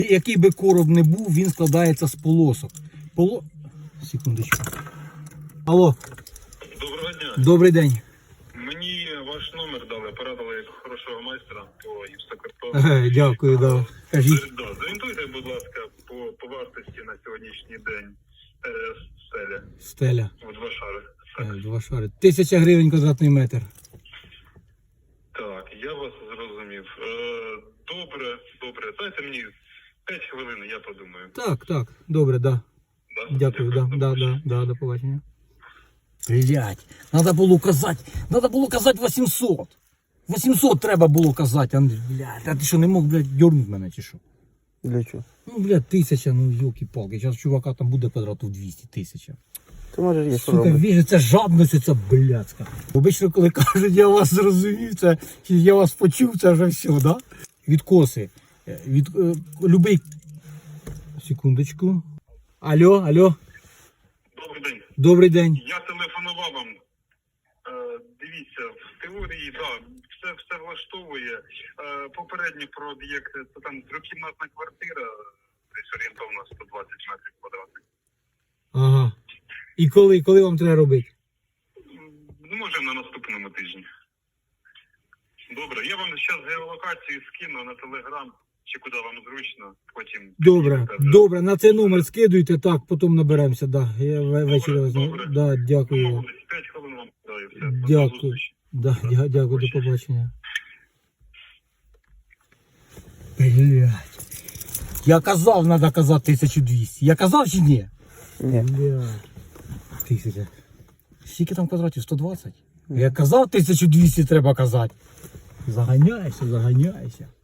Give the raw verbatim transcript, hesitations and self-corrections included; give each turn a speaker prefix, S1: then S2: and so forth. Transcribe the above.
S1: Який би короб не був, він складається з полосок. Поло... Секундочку. Алло.
S2: Доброго дня.
S1: Добрий день.
S2: Мені ваш номер дали, порадили як хорошого майстра по гіпсокартону.
S1: Е, Дякую, да. Кажіть.
S2: Да, зорієнтуйте, будь ласка, по, по вартості на сьогоднішній день е, стеля.
S1: Стеля.
S2: У два шари.
S1: Е, Два шари. Тисяча гривень квадратний метр.
S2: Так, я вас зрозумів. Е, добре, добре. Дайте мені п'ять хвилин, я подумаю.
S1: Так, так. Добре, да.
S2: Да?
S1: Дякую, да,
S2: до
S1: да,
S2: побачення.
S1: да, да, до побачення. Блять, надо було казати, надо було казати вісімсот. вісімсот треба було казати, Андрій. Блядь, а ти що, не мог, блядь, дьорнути мене чи що?
S3: Для чого?
S1: Ну, блядь, тисяча, ну, йолки-палки. Зараз чувака там буде квадратів двісті, тисяча.
S3: Ти можеш є що
S1: Сука,
S3: робити.
S1: віже, це жадність, оця блядська. Обично, коли кажуть, я вас зрозумів, це, чи я вас почув, це вже все, да? Відкоси. Е, Від, е, любий... Секундочку. Алло, алло.
S2: Добрий день.
S1: Добрий день.
S2: Я телефонував вам. Е, дивіться, в теорії, да, все, все влаштовує. Е, попередній про об'єкт, це там трьохкімнатна квартира, десь орієнтовно сто двадцять метрів квадратних.
S1: Ага. І коли, коли вам треба робити?
S2: Ну, може, на наступному тижні. Добре, я вам зараз геолокацію скину на телеграм, чи куди вам зручно, потім...
S1: Добре,
S2: Кажу.
S1: добре, на цей номер скидуйте, так, потім наберемося, да. Я ве- ввечері
S2: Добре,
S1: возьму.
S2: добре.
S1: Да, дякую.
S2: Домовились, п'ять хвилин вам даю, все. До
S1: Дякую.
S2: зустрічі.
S1: Да, дя- дякую, до побачення. Блять. Я казав, треба казати тисячу двісті. Я казав чи ні?
S3: Ні.
S1: Блять. Тисяча. Скільки там квадратів? сто двадцять? Я казав, тисячу двісті треба казати. Заганяйся, заганяйся.